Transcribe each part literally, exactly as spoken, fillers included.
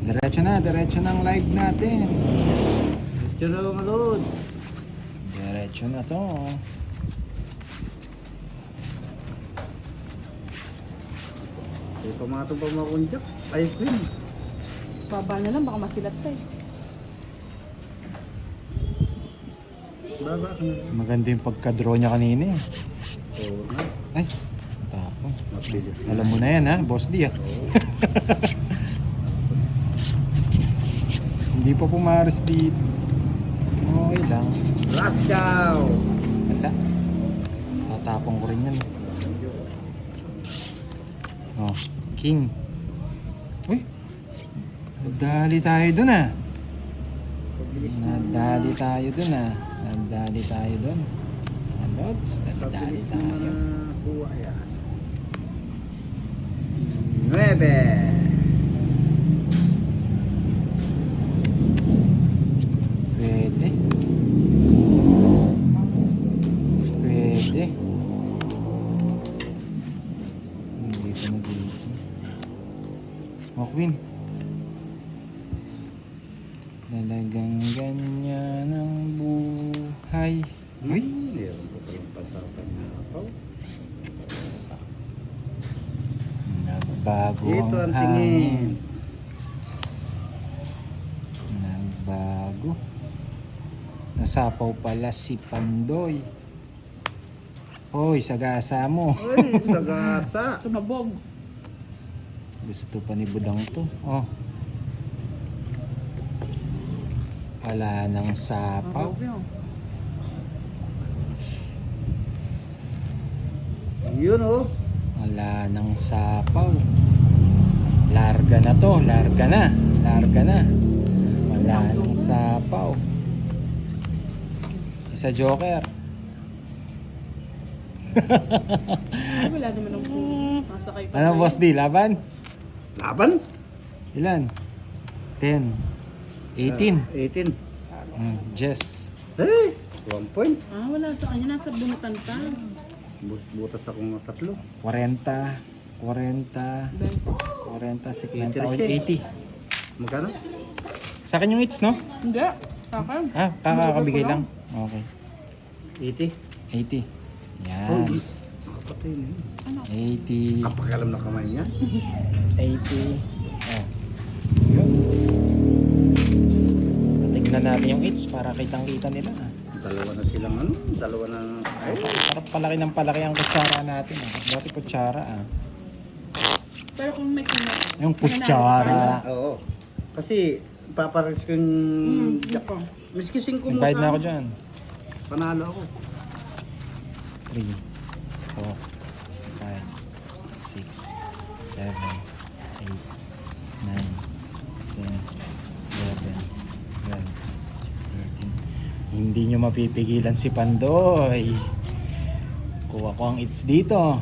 Diretso na, diretso na ang live natin. Diretso na mga load. Diretso na to. Ay, pamatong pa mga kunjak. Ayos din. Baba na lang, baka masilat ka eh. Baba ka na. Maganda yung pagka-draw niya kanina eh. Oo na. Ay, tapon. Mabilis na. Alam mo na yan ha, Boss D ah. Hindi pa pumaris dito. Okay lang. Last cow. Wala. Tatapong ko rin yan. Oh, King. Uy! Nadali tayo dun ah. Nadali tayo dun ah. Nadali tayo dun. Lods, nadali Pabilis tayo. na kuha yan. Nueve. Pwede. Pwede. Dito na dito. Oh, Queen. Talagang ganyan ang buhay. Uy! Meron ko palang pasapan na ako. Nagbago Dito ang ang tingin. hangin. Nagbago. Nasapaw pala si Pandoy. Hoy, sagasa mo. Ay, sagasa. Tumabog. Gusto pa ni Budang to. Oh. Wala nang sapaw. Mabog yun. Yun oh. Wala nang sapaw. Larga na to, larga na. Larga na. Wala nang sapaw. Isa joker. Ay, wala naman ang masakay pa. Ano Boss D, laban? Laban? Ilan? ten. eighteen. Ah, eighteen. Mm, Jess. Hey, one point. Ah, wala sa kanya. Nasa bunutan pa. But- Butas akong tatlo. forty. forty. forty. fifty. eighty. Magkano? Sa akin yung hits, no? Hindi. Kaka. Ah, kakakabigay lang. Okay. eighty. eighty. Oh, Yan. nakapatay na yun. eighty. Kapakalam na kamay niya. eighty. Oh. Yun. Tignan natin yung hits para kitang-kita nila. Dalawa na silang ano? Dalawa na... Ay, Parang palaki ng palaki ang kutsara natin. Ah. Dati kutsara ah. Pero kung may kinat. Yung kutsara. oo. Kasi papares ko yung... Hmm, ako. Miski singko mo Nag-bite na sa- ako dyan. Panalo ako. three, four, five, six, seven, eight, nine, ten, eleven, twelve, thirteen. Hindi nyo mapipigilan si Pandoy. Kuha ko ang hits dito.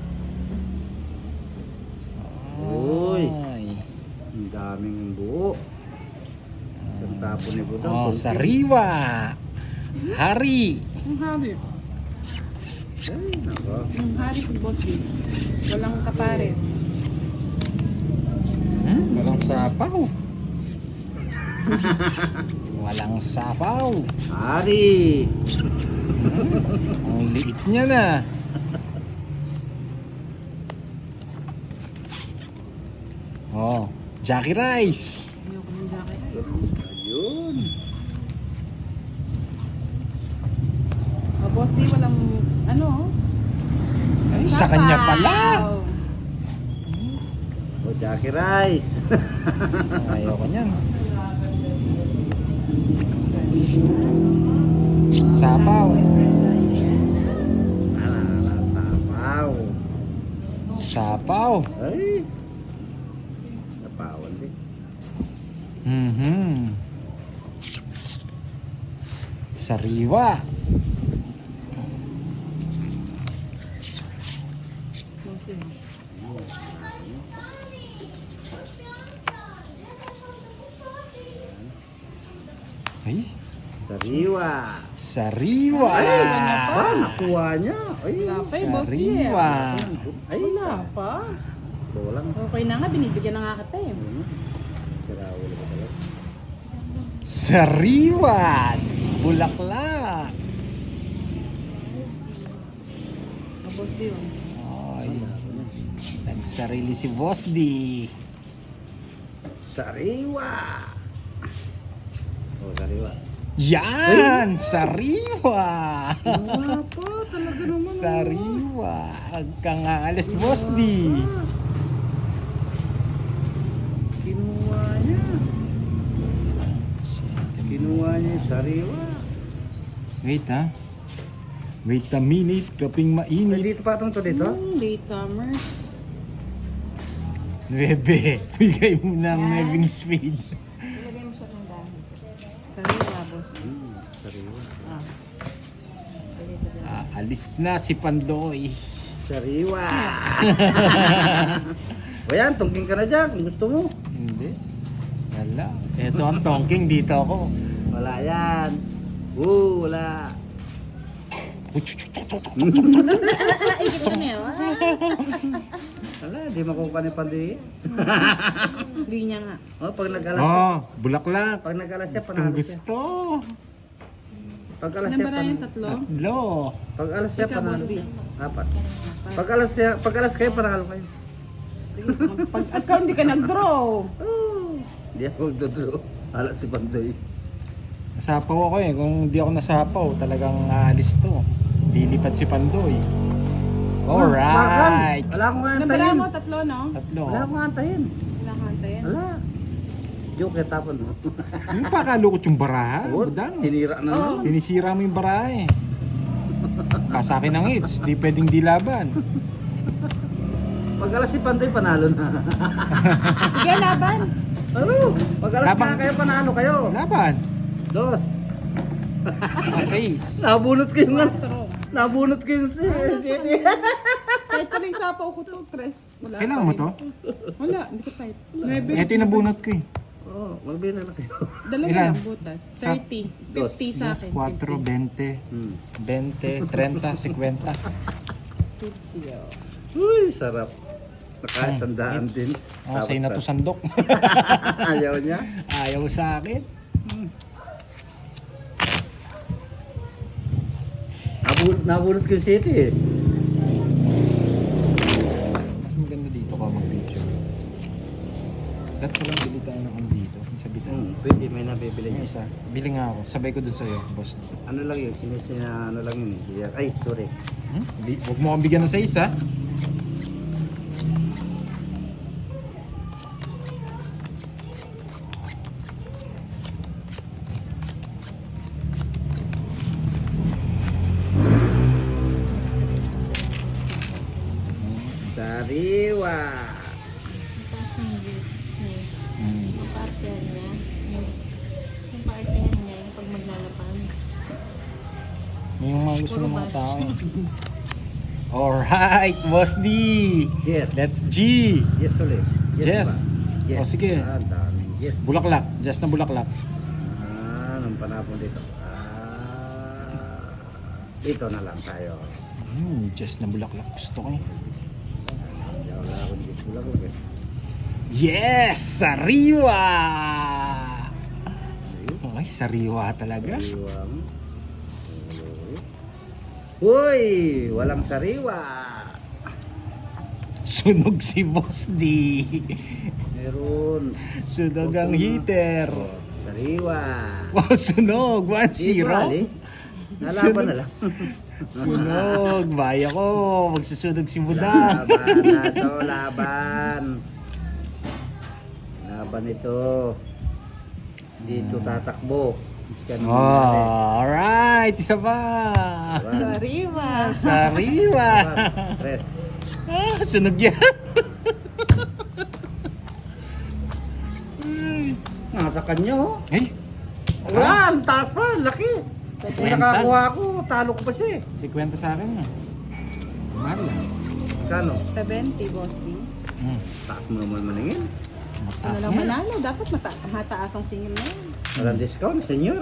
Uy. Ay. Ang daming buo. Sa tapo ni Budang. Oh, konti. sariwa. Hari. Ang hari. Ay, nako. Ang hari kung boss din. Walang kapares. Hmm, walang sapaw. Walang sapaw. Hari! Ang liit niya na. Oh, Jackie Rice. Ayoko ng Jackie Rice. Ayun. Oh, boss di walang ano. Ay, sa kanya pala. O, Jackie Rice. Ayoko niyan. Sapaw. Alala, sapaw. Sapaw. Ay. Sapawan din. Mhm. Sariwa. Boss din. Ay, Sariwa. sariwa. Ay, ba, nakuha niya. Ay, Wala pa eh, boss din. Sariwa. ay, Wala pa. Dolang. Okay na nga, binibigyan na nga kita eh. Sirauli ka talaga. Sariwan! Bulaklak! Ang boss D yun. Ay, nagsarili si Boss D. Sariwa! Oh, sariwa. Yan! Sariwa! Wow po, talaga naman. Sariwa! Huwag kang aalis, Boss D. Kinuha niya. Kinuha niya yung sariwa. Wait ha. Wait a minute, kaping Ay, mainit. dito patong to dito? Hmm, latecomers. Nuebe, bigay mo ng Yan. nuebeng speed. Ilagay mo siya ng dahil. Sariwa, boss D. Hmm, sariwa. Ah. Ilagay sa dahil. Ah, alis na si Pandoy. Sariwa! O yan, tungking ka na dyan kung gusto mo. Hindi. Wala. Ito ang tongking, dito ako. Wala yan. Oo, wala. Ikit ka na yun. Wala, di makukuha ni Pandi. Hindi niya nga. Oh, pag nag-alas siya, Oh, bulaklak. pag nag-alas siya, Gustong panalo siya. gusto. Pag alas siya, Nabara yung panalo. tatlo. Tatlo. Pag alas siya, Ikaw, panalo boss D. siya. Apat. Pag alas siya, pag alas kayo, panalo kayo. Sige, pag ikaw hindi ka nag-draw. Oh, di ako magdodro. Alat si Pandoy. Nasapaw ako eh. Kung di ako nasapaw, talagang aalis to. Lilipad si Pandoy. Alright. Wala akong Nabara antayin. mo tatlo, no? Tatlo. Wala akong antayin. Nakakanta yan. Wala. Joke, kaya tapon mo. Yung pakalukot yung baraha. Oo, Budang. sinira na Oo. naman. Sinisira mo yung baraha eh. Kasakin ng hits. Di pwedeng dilaban. Pag alas si Pandoy, panalo na. Sige, laban. Ano? Pag alas Labang- na kayo, panalo kayo. Laban. Dos. Seis. Nabunot ko yung ano. Quatro. Nabunot ko yung si... si Kahit pala yung sapaw ko to, tres. Wala Kailangan pa mo rin. to? Wala, hindi ko type. Nuebe. Ito yung nabunot ko eh. Oo, oh, magbilang na kayo. Dalawa Ilan? lang butas. Sa- thirty. Dos. fifty sa akin. four, twenty, Hmm. twenty, thirty, fifty. fifty, oh. Uy, sarap. Nakasandaan Hits. din. Oh, sa'yo na to sandok. Ayaw niya. Ayaw sa akin. Nabunot, nabunot ko yung city eh. Mas maganda dito ka mag-video. Dapat ko lang bili tayo ng ano dito. Sa bitan. Hmm, pwede, may nabibili Yung niya. isa. Bili nga ako. Sabay ko dun sa'yo, boss. Ano lang yun, sinisina, ano lang yun eh. Ay, sorry. Hmm? Bi- Huwag mo akong bigyan ng size ha. Sariwa. Tapos ng gift niya. Hmm. Yung partner niya. Yung, yung partner niya, yung pag maglalapan. May yung mga gusto ng mga tao. eh. Alright, Boss D. Yes. Let's G. Yes ulit. Yes. ba? Yes. O, sige. Ah, daming yes. Bulaklak. Just na bulaklak. Ah, nung panapon dito. Ah, dito na lang tayo. Hmm, just na bulaklak. Gusto ko eh. Hindi wala akong yes wala ko eh. Yes! Sariwa! Okay, sariwa talaga. Sariwa mo. Uy, walang sariwa. Sunog si Boss D. Meron. Sunog ang heater. Oh, sariwa. Wow, sunog. one zero. Di Nalaban na lang. Sunog. Baya ko. Magsusunog si Budang. Laban na to, laban. Laban ito. Dito tatakbo. Kanina Oh, alright. Isa pa. rin. Laban. Sariwa. Sariwa. Laban. Tres. Ah, sunog yan. Nasa kanya oh. Ay, Wala, ang taas pa, laki. Kung Kwenta. nakakuha ako, talo ko pa siya eh. si kwenta sa akin na. Mahal lang. Kano? seventy, boss D. Hmm. Taas mo naman maningin. Ano Mataas lang nga. manalo? Dapat mata mataas ang singil na yun. Walang discount, senyor.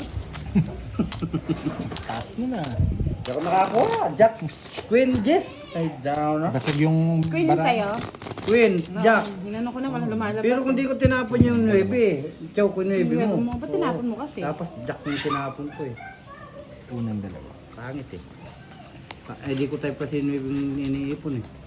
Mataas na na. Hindi ako nakakuha. Jack, Queen, Jess. Ay, down na. Basag yung Queen yung bara. sa'yo? Queen, Jack. Hinano ko na, wala lumalabas. Pero kung di ko tinapon yung nuebe, chow ko yung nuebe Nuebe mo. mo, ba't tinapon mo kasi? Tapos Jack yung tinapon ko eh. Unang dalawa. Pangit eh. Pa- eh di ko type kasi yung nuebe yung iniipon eh.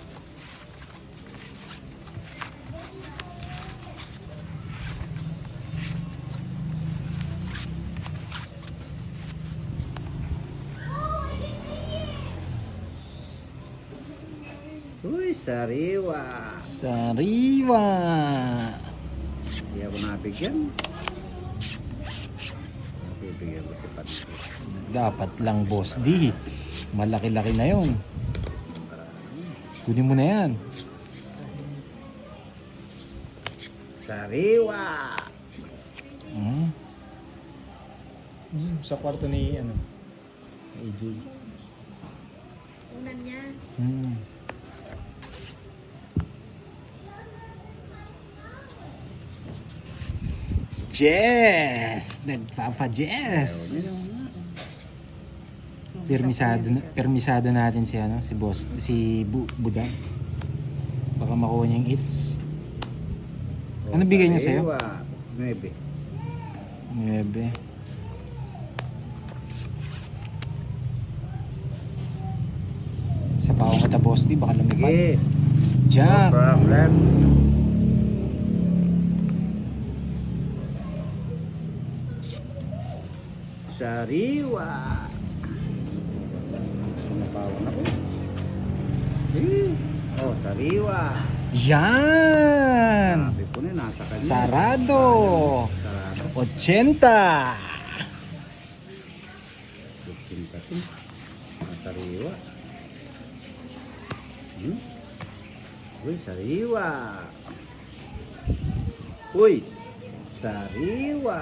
Uy, sariwa. Sariwa. Hindi ako nabigyan. Bibigyan ko si Pat. Dapat lang, Boss D. Malaki-laki na yon. Kunin mo na yan. Sariwa. Hmm. Sa kwarto ni ano, A J. Unan niya. Hmm. Si Jess! Nagpapa-Jess! Permisado, na- permisado natin si ano, si boss, si Bu Buda. Baka makuha niya yung hits. Ano bigay niya sa'yo? Sariwa. Nuebe. Nuebe. Sa paong kata boss, di baka lumipad. Sige. No Jack! problem. Sariwa. Napawan ako. Eh. Oh, sariwa. Yan! Sabi ko na, nasa kanya. Sarado! Sarado. ochenta! fifteen kasi. Sariwa. Hmm? Uy, sariwa. Uy, sariwa.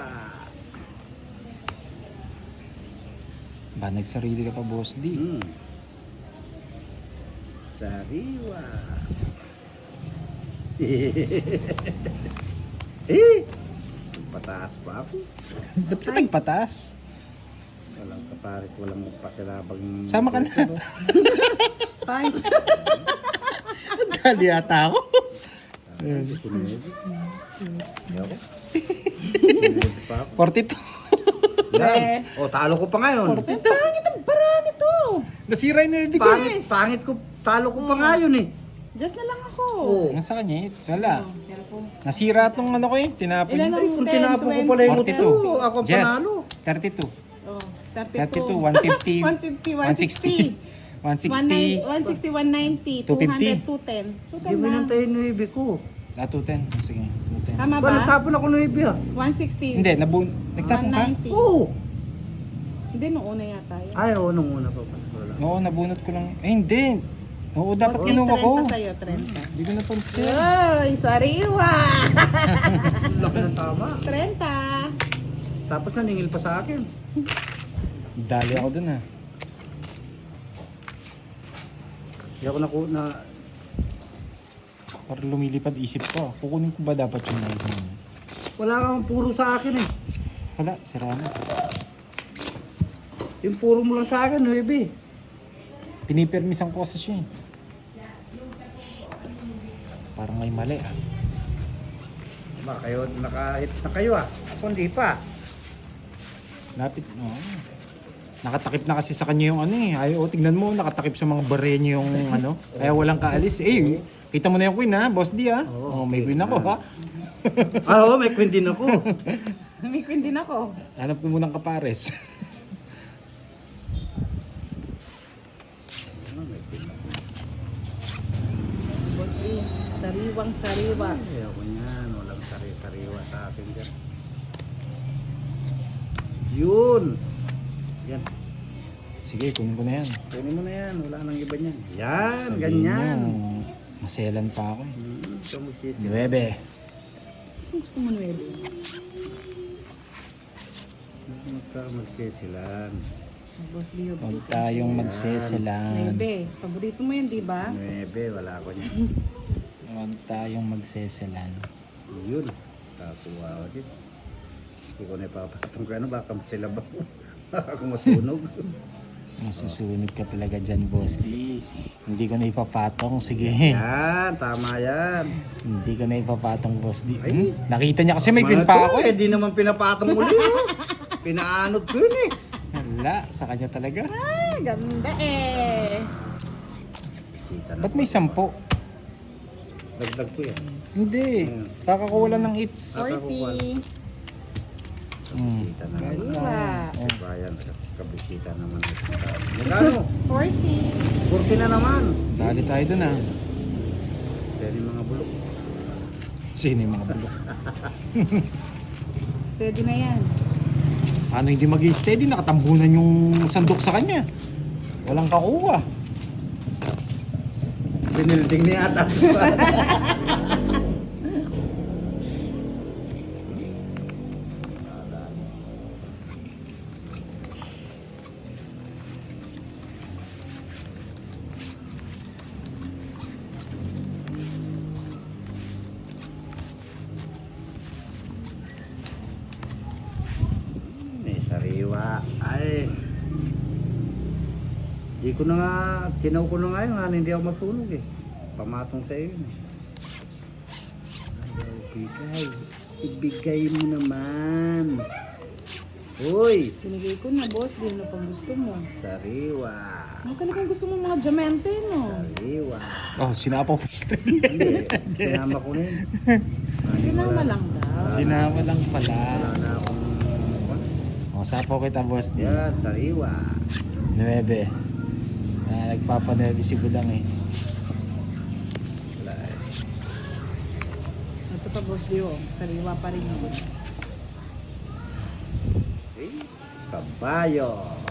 Ba, nagsarili ka pa, boss D. Hmm. Sariwa. eh, pataas pa ako. Ba't ka nagpatas? Walang kapares, walang magpakilabang. Sama ka na. Five. Dali ata ako. Sunod. Hindi ako. Sunod pa ako. forty-two. Yan. O, talo ko pa ngayon. Pangit ang bara nito. Nasira yung ibig Pangit, pangit ko. Talo ko pa ngayon eh. Just na lang ako. Oo. Ang sa kanya, it's wala. Oh, cellphone. Nasira tong ano ko eh, tinapon Ilan niya. ang Ay, kung ten, tinapon ko twenty, pala yung forty-two. utso, ako ang Jess, panalo. thirty-two. Oh, thirty-two. thirty-two, one fifty, one fifty, one one sixty. sixty, one sixty, one sixty, one ninety, two two fifty. hundred, two ten. two ten Hindi mo na. nantayin yung ibig ko. ah, two ten. Sige, two ten. Tama Ba, ba? natapon ako ng ibig ah. one sixty. Hindi, nabu nagtapon ka? one ninety. Oo. Hindi, nung una yata yun. Ay, oo, nung una pa pala. Wala. Oo, nabunot ko lang. Eh, hindi. Oo, dapat Boss, kinuha ko. trenta sa'yo, trenta. Hindi ko napansin. Ay, sariwa! Laki ng tama. trenta. Tapos naningil pa sa akin. Dali ako dun ah. Hindi ako naku na... Para lumilipad isip ko. Kukunin ko ba dapat yung knife mo? Wala kang puro sa akin eh. Wala, sira na. Yung puro mo lang sa akin, nuebe. Pinipermisan ko kasi siya eh. Parang may mali ah. Ba, kayo, naka-hit na kayo ah. Ako hindi pa. Lapit, oo. Nakatakip na kasi sa kanya yung ano eh. Ay, oh, tignan mo, nakatakip sa mga bare niya yung ano. Kaya walang kaalis. Eh, kita mo na yung queen ha, boss D ha. Oo, Oh, may okay. queen ako ha. Ah, oo, may queen din ako. May queen din ako. Hanap ko munang kapares. Ah, may queen ako. Boss D, sariwang sariwa. Ay, ako niyan. Walang sari-sariwa sa akin dyan. Yun. Yan. Sige, kunin ko na yan. Kunin mo na yan. Wala nang iba niyan. Yan, Sabihin ganyan. mo, maselan pa ako eh. Hmm, ito magsisi. Nuebe. Gusto gusto mo nuwede. Magka magsisilan. Boss D, yung Huwag tayong magseselan. nuwede. Paborito mo yun, di ba? Nuebe, wala ko niyan. Huwag tayong magseselan. Yun. Kakuha ako din. Hindi ko na ipapatong ka ano, baka sila ba? Baka ako masunog. Masusunod ka talaga dyan, Boss D. Hindi ko na ipapatong. Sige. Yan, tama yan. Hindi ko na ipapatong, Boss D. Ay. Hmm? Nakita niya kasi may Tama queen na pa to, ako eh. eh. Di naman pinapatong muli. Oh. Pinaanot ko yun eh. Wala, sa kanya talaga. Ah, ganda eh. Bisita na. Ba't may sampo? Dagdag ko yan. Hindi. Kakakuha lang ng hits. forty. Hmm. Bisita na naman. Sariwa. Oh. Bayan, kabisita naman. Magkano? forty. forty na naman. Dali tayo dun ah. Pwede mga bulok. Sino yung mga bulok? Steady na yan. Ano hindi mag-steady? Nakatambunan yung sandok sa kanya. Walang kakuha. Binilding niya ata. May sariwa. Ay. Di ko na nga, sinaw ko na nga yun, nga, hindi ako masunog eh. Pamatong sa iyo. Ay, ibigay. Ibigay mo naman. Uy! Pinigay ko na, boss. Di ano pang gusto mo. Sariwa. Ano talagang gusto mo mga diamante, no? Sariwa. Oh, sinapaw po straight. Hindi, sinama ko na yun. Ay, Sinama wala- lang daw. Sinama lang pala. Wala na akong... Oh, sapaw kita, Boss D. Yan, sariwa. Nuebe. Na nagpapanuebe si Budang eh. Wala eh. Ito pa, boss, di oh. Sariwa pa rin yun. Okay. Kabayo.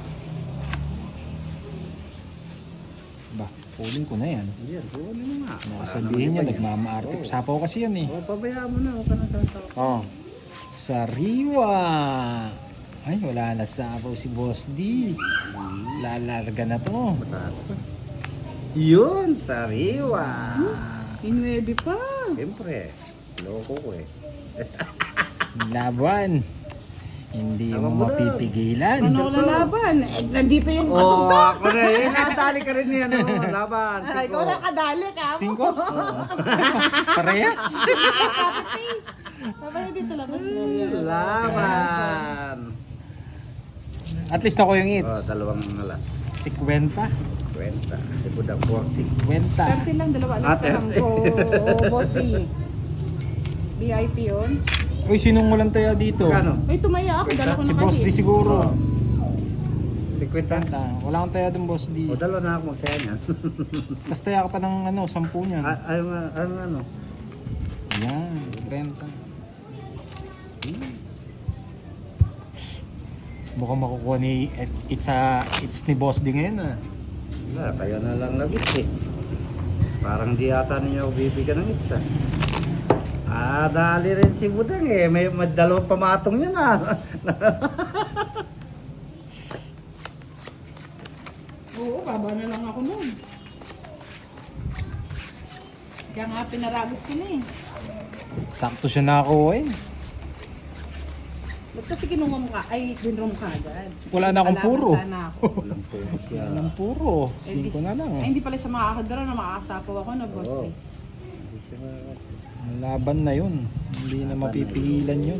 Ba, pulling ko na yan. Yan, kuha mo nga. Nakasabihin niya, nagmamaarte. Oh. Sapaw kasi yan eh. Oh, pabayaan mo na. Huwag ka na sasaw. Oh, sariwa. Ay, wala na sapaw si Boss D. Lalarga na to. Mataas pa. Yun, sariwa. Inuebe pa. Siyempre, loko ko eh. Laban. Hindi Tama mo mo na. mapipigilan. Ano lalaban? Eh, nandito yung Oh, katugtog. ako na eh. Natali ka rin yan. Oh. Laban. Ay, Siko. ikaw na kadali ka mo. Cinco? Parehas. Copy paste. Babaya dito labas mo. Laban. At least ako yung Oh, hits. dalawang alas. Sikwenta. Kwenta. Ito daw, forty. Kwenta. thirty lang, dalawa Ah, alas ka lang thirty. ko. Oh, boss D. V I P yun. Uy, sinong walang taya dito? Kano? Uy, tumaya ako. Dala ko Si na Boss D kahit. siguro. Sikwenta. Kwenta. Wala akong taya dun, Boss D. O, dalawa na ako magsaya niyan. Tapos taya ka pa ng ano, sampu niyan. Ah, Ayaw nga, ayaw nga, ano. Yan, kwenta. Mukhang makukuha ni it's a it's ni Boss D ngayon ah. Wala, kayo na lang nagit eh. Parang di yata ninyo ako bibigyan ng itsa. Ah, dali rin si Budang eh. May, may dalawang pamatong yan ah. Oo, baba na lang ako nun. Kaya nga pinaragos ko na eh. Sakto siya nakakuha eh. Ba't kasi kinuha mo ka? Ay, dinro mo ka agad. Wala na akong Kalaban puro. Sana ako. Walang puro siya. Walang puro. Eh, di- Cinco na lang. Ay, hindi pala siya makakadara na makakasapaw ako na boss. Oo. eh. Hindi siya makaka- Ang laban na yun. Hindi na mapipigilan yun.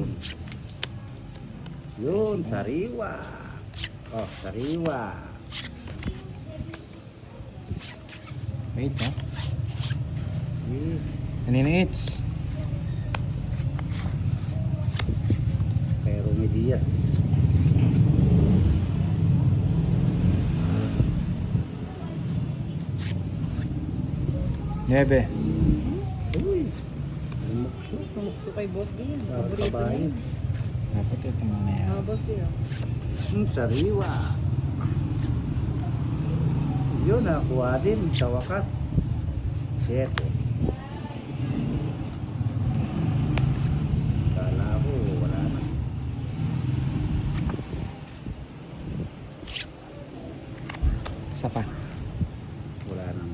Yun, sariwa. Oh, sariwa. Wait ha. Eh, Kanina it's. Kay Romy Diaz. Nebe. Uy, lumukso. Tumukso kay boss din. Ah, Paborito niya. kabayan. Dapat ito muna yan. Ah, boss din. oh. Hmm, sariwa. Yun, nakuha din sa wakas. Siyete. Kala ko, wala na. Isa pa. Wala nang...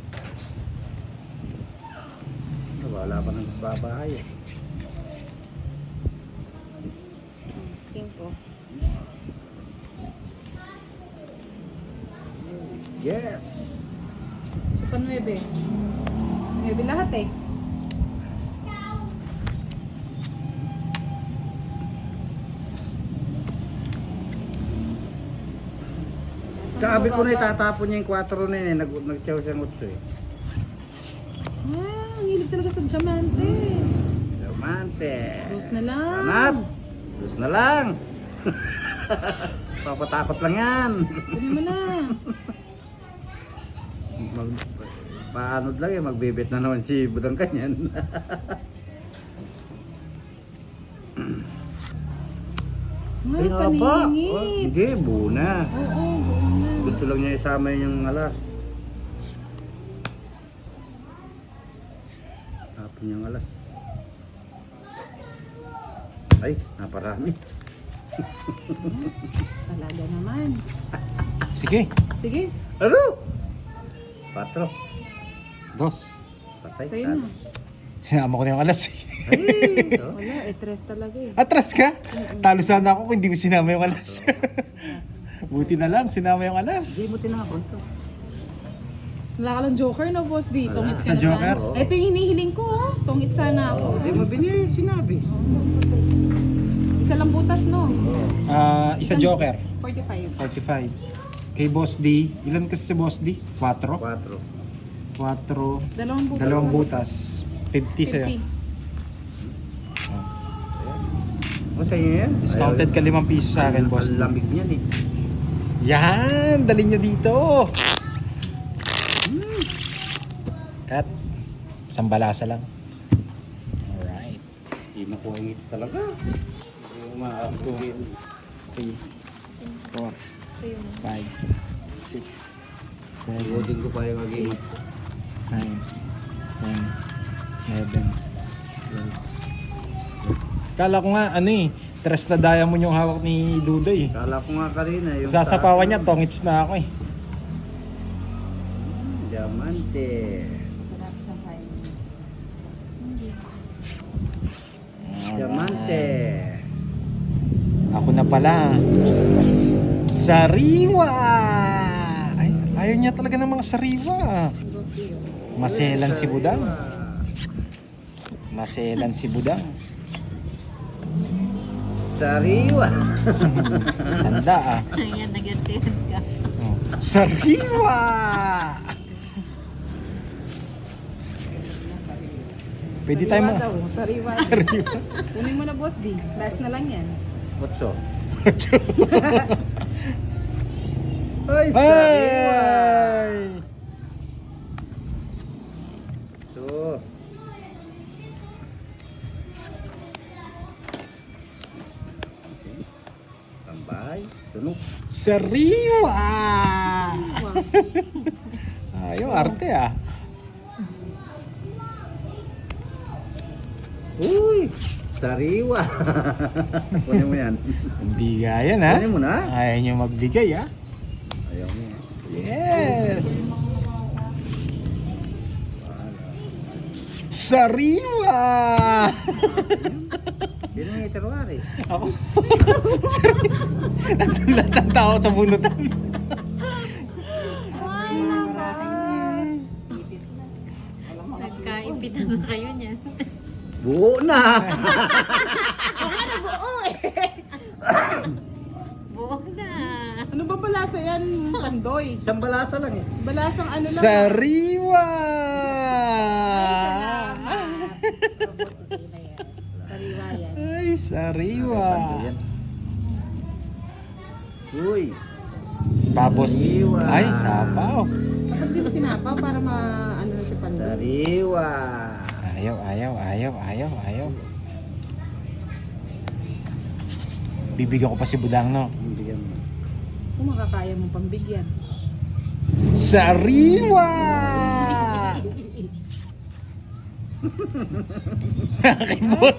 Wala pa nang babahay eh. Cinco. Yes. Sa pa nuwebe. Nuwebe lahat eh. Sabi ko na itatapon niya yung kwatro na yun eh. Nag nagtiyaw siyang utso eh. Ah, ang hilig talaga sa diamante. Diamante. Rose na lang. Anat. Diyos na lang. Papatakot lang yan. Kunin mo na. Mag, paanod lang eh. Magbibit na naman si Budang kanyan. Ay, nga ba? paningit. Oh, hindi, buo na. Oo, buo na. Gusto lang niya isama yung alas. Tapon yung alas. Ay, naparami. Talaga naman. Sige. Sige, Ano? Patro. Dos. Patay. sa'yo na. Sinama ko na yung alas. Ay, oh. Wala, eh, tres talaga eh. Atras ka? Talo sana ako kung hindi ko sinama yung alas. Buti na lang, sinama yung alas. Hindi mo tinakon to. Wala ka lang joker na boss di. Wala. Tungit Sa ka na joker? sana. Ito yung hinihiling ko oh. Tungit sana ako. Oh, di mo binili, sinabi. Isa lang butas no. Ah, isa joker. forty-five. forty-five. Kay Boss D, ilan kasi si Boss D? Quatro? Quatro. Quatro. Dalawang butas. Dalawang lang. butas. fifty sa'yo. fifty. O sa inyo yan? Discounted ka limang piso sa akin, Boss D. Ang lamig niyan eh. Yan! Dali nyo dito! Cut. Isang balasa lang. Alright. Hindi makuha yung hits talaga. Hindi maaabuhin. three, four, five, six, seven, Iwodin ko pa yung aging. nine, ten, eleven, twelve. Kala ko nga, ano eh, tres na diamond yung hawak ni Duday. Kala ko nga kanina yung... Sasapawan niya, tongits na ako eh. Diamante. Diamante. Ako na pala. Sariwa! Ay, ayaw niya talaga ng mga sariwa. Boss D. oh. Maselan si Budang. Maselan si Budang. Sariwa. Tanda ah. Ayan, nag-attend ka. Oh. Sariwa! Pwede tayo Sariwa ma... daw, sariwa. Sariwa. Kunin mo na boss D. Last na lang yan. Otso. Ay, sariwa. Ay! So. Tambay. Tunog. Sariwa! Wow. Ayaw, arte ah. Uy! Sariwa. Kunin mo yan. Hindi gaya na. Kunin mo na. Ayaw niyo magbigay ah. Ayaw mo yan. Yes! Sariwa! Sino yung iterwari? Ako. Sariwa. Nandun lahat ng tao sa bunutan. Nagkaipitan na kayo niyan. Buo na! Buo na. Ano ba balasa yan, Pandoy? Isang balasa lang eh. Balasang ano lang. Sariwa! Sariwa yan. Ay, sariwa. Yan. Uy! Babos. Sariwa. Ay, sapaw. Bakit di mo sinapaw para ma ano na si Pandoy? Sariwa! Ayaw, ayaw, ayaw, ayaw, ayaw. Bibigyan ko pa si Budang, no? Bigyan mo. Kung makakaya mong pambigyan. Sariwa! Aking boss.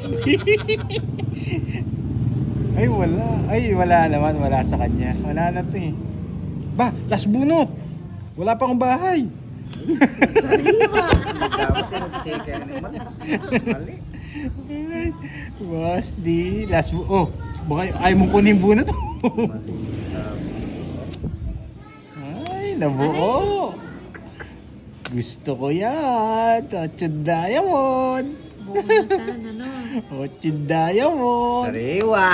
Ay, wala. Ay, wala naman. Wala sa kanya. Wala na to eh. Ba, last bunot. Wala pa akong bahay. Sariwa! Dapat yung mag-shake naman. Mali. Boss, di. Last bu... Oh, baka ayaw mong kunin bunot. Mali. Ay, Ay, nabuo. Gusto ko yan. Ochud Diamond. Buo na sana, no? Ochud Diamond. Sariwa.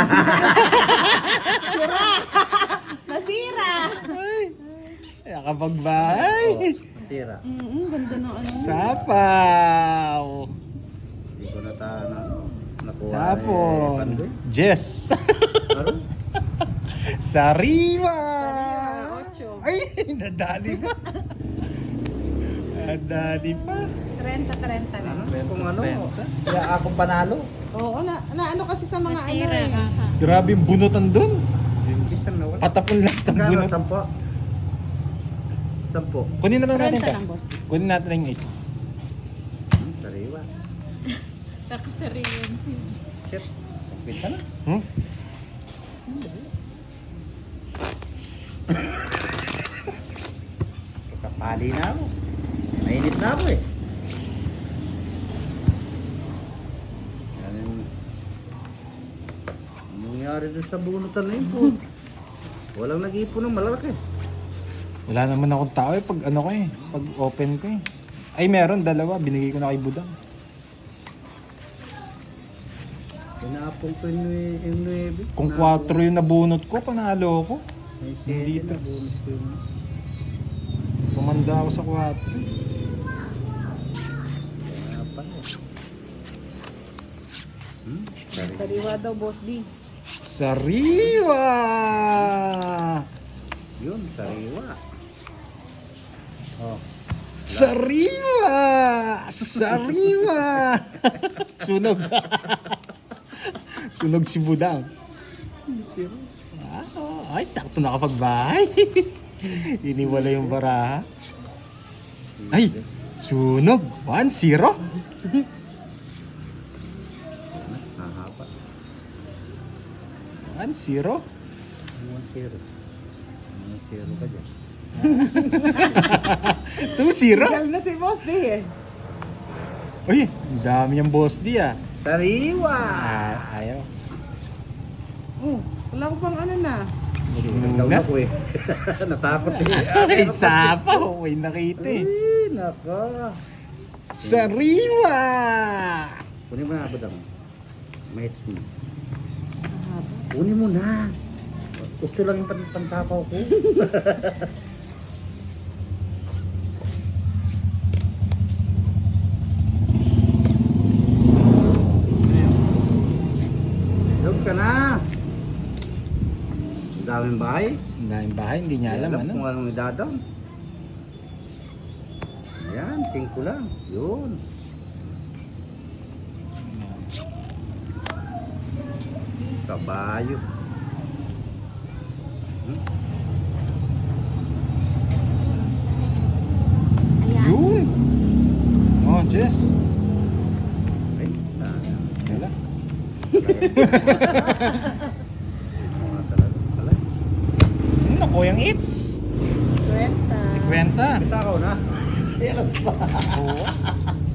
Nasira! Ay, nakapagbahay. Sira. Mm, ganda ng ano. Sapaw. Hindi ko na ta na nakuha. Tapon. Eh, Pandoy. Jess. Ano? Sariwa. Ocho. Ay, nadali pa. Nadali pa. trenta trenta na. Kung ano, Benta. kaya akong panalo. Oo, na, na ano kasi sa mga ano Nasira eh. ka ha. Grabe yung bunutan dun. Yung isang nawala. Patapon lang ang Kano, bunot. sampo? Sampo. Kunin na lang natin trenta ito. lang, boss. Kunin natin yung eights. Hmm, sariwa. Nakasariwan. Shit. Pagpinta na. Hmm? Kapali na ako. Mainit na ako eh. Yan yung... Anong nangyari dun sa bunutan na yun po? Walang nag-iipon ng malalaki. Wala naman akong tao eh. Pag ano ko eh. Pag open ko eh. Ay meron, dalawa. Binigay ko na kay Budang. Pinapong ko yung nue- yung nuebe. Kung kwatro yung nabunot ko, panalo ko. May Hindi sete na tres. bonus ko yun. Pumanda ako sa kwatro. Kaya pala eh. Hmm? Sariwa. Sariwa daw, boss D. Sariwa! Yun, sariwa. Oh. Sariwa! Sariwa! Sunog. Sunog si Budang. Ah, ay, sakto nakapagbahay. Iniwala yung baraha. Ay, sunog. one zero. Nahapa. one zero. one zero. one zero ka dyan. two zero. Gal na si boss D eh. Uy, ang dami niyang boss di ah. Sariwa! Ah, ayaw. Oh, wala ko pang ano na. Nagdaw Muna. ako eh. Natakot eh. Ay, sapaw. May nakita eh. Ay, nako. Sariwa! Kunin mo na, Budang. Mates mo. Kunin mo na. Utso lang yung pan- pantapaw ko. Log ka na. Ang daming bahay. Ang daming bahay, hindi niya alam ano. Kung anong idadam. Ayan, singko lang. Yun. Kabayo. Hmm? Ayan. Yun! Oh, Jess. Ay, na- Wala. Mga talaga pala. Hmm, naku, yung hits. Kwenta. Si Kwenta. Takaw na. Oo.